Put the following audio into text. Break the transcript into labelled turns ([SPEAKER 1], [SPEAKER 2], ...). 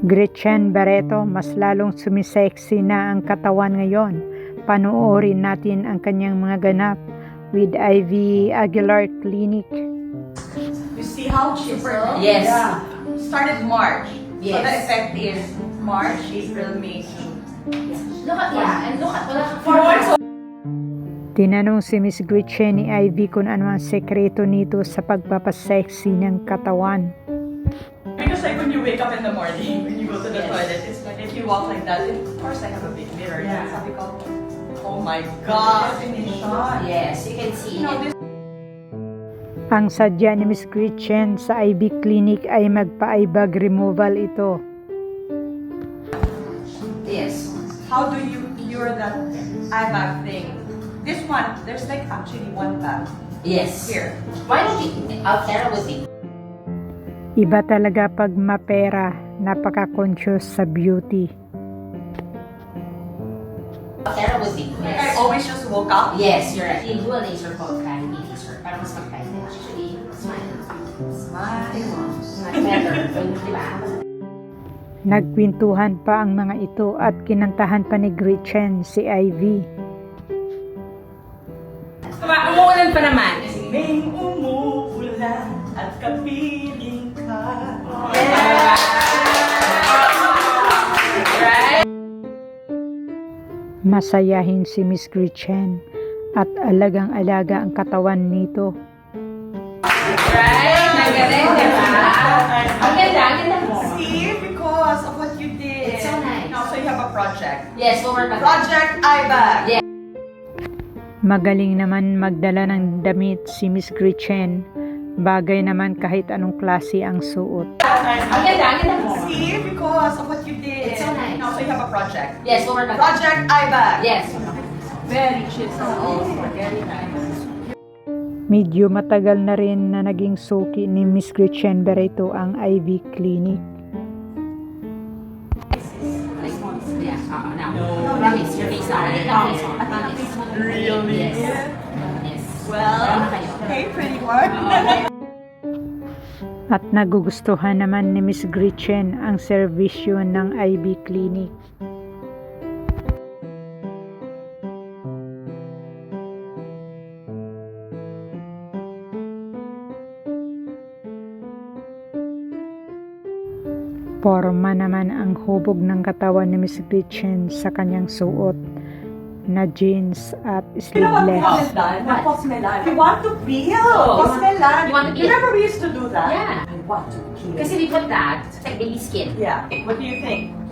[SPEAKER 1] Gretchen Barreto, mas lalong sumisexy na ang katawan ngayon. Panoorin natin ang kanyang mga ganap with Ivy Aguilar Clinic.
[SPEAKER 2] You see how cheaper?
[SPEAKER 3] Yes.
[SPEAKER 2] Yeah. Started March. So
[SPEAKER 3] Yes.
[SPEAKER 2] the effect is March, April, May, June.
[SPEAKER 3] Look at, yeah, and look at, wala ka
[SPEAKER 2] For
[SPEAKER 1] Tinanong si Miss Gretchen ni Ivy kung ano ang sekreto nito sa pagpapasexy ng katawan.
[SPEAKER 2] Because like when you wake up in the morning, when you go to the
[SPEAKER 3] Yes.
[SPEAKER 2] toilet, it's like if you walk like that, of course I have a big mirror.
[SPEAKER 3] Yeah.
[SPEAKER 2] Sabi ko, oh my God, definition.
[SPEAKER 3] Yes, you can see
[SPEAKER 2] You know,
[SPEAKER 3] it.
[SPEAKER 2] this
[SPEAKER 1] Ang sadya ni Miss Gretchen sa Ivy Clinic ay magpa-eyebag removal ito.
[SPEAKER 3] Yes.
[SPEAKER 2] how do you cure that eye bag thing? This one, there's like actually one bag
[SPEAKER 3] Yes.
[SPEAKER 2] here.
[SPEAKER 3] Why don't you, Altera would be,
[SPEAKER 1] Iba talaga pag mapera, napaka-conscious sa beauty.
[SPEAKER 3] Altera would be.
[SPEAKER 2] Like I always just woke up.
[SPEAKER 3] Yes, you're right. You do a laser called cavity laser. Para mas mag-kahit na. Actually, smile. Smile. Smile better. Di ba?
[SPEAKER 1] Nagkwentuhan pa ang mga ito at kinantahan pa ni Gretchen si Ivy.
[SPEAKER 3] Umuulan pa naman.
[SPEAKER 2] May umuulan at kapiling ka.
[SPEAKER 3] Right?
[SPEAKER 1] Masayahin si Miss Gretchen at alagang-alaga ang katawan nito.
[SPEAKER 3] Right? Nagaling, di ba? Ang ganda, ang ganda mo.
[SPEAKER 2] See, because of what you did.
[SPEAKER 3] It's so nice.
[SPEAKER 2] Now, so you have a project.
[SPEAKER 3] Yes, we'll work on that.
[SPEAKER 2] Project Eye Bag.
[SPEAKER 3] Yeah.
[SPEAKER 1] Magaling naman magdala ng damit si Miss Gretchen. Bagay naman kahit anong klase ang suot.
[SPEAKER 3] Ang ganda, ang ganda mo.
[SPEAKER 2] See, because of what you did.
[SPEAKER 3] It's so nice.
[SPEAKER 2] Now, so you have a project.
[SPEAKER 3] Yes, we'll work on that.
[SPEAKER 2] Project Eye Bag.
[SPEAKER 3] Yes.
[SPEAKER 2] Very cheap.
[SPEAKER 3] Very nice.
[SPEAKER 1] Medyo matagal na rin na naging suki ni Miss Gretchen Barreto ang Ivy Clinic.
[SPEAKER 3] Yeah, now. Promise, your face on. Promise.
[SPEAKER 2] Really?
[SPEAKER 3] Yes. Yes.
[SPEAKER 2] Well, hey, pretty one.
[SPEAKER 1] At nagugustuhan naman ni Miss Gretchen ang serbisyo ng Ivy Clinic. Porma naman ang hubog ng katawan ni Miss Gretchen sa kanyang suot na jeans at
[SPEAKER 2] You know what we
[SPEAKER 1] sleeveless.
[SPEAKER 2] haven't done? What Cosmelan. We want to peel.
[SPEAKER 3] Oh,
[SPEAKER 2] Cosmelan.
[SPEAKER 3] you want to peel?
[SPEAKER 2] Remember we used to do that?
[SPEAKER 3] Yeah.
[SPEAKER 2] I want to peel.
[SPEAKER 3] Kasi we put that, it's like baby skin.
[SPEAKER 2] Yeah. What do you think?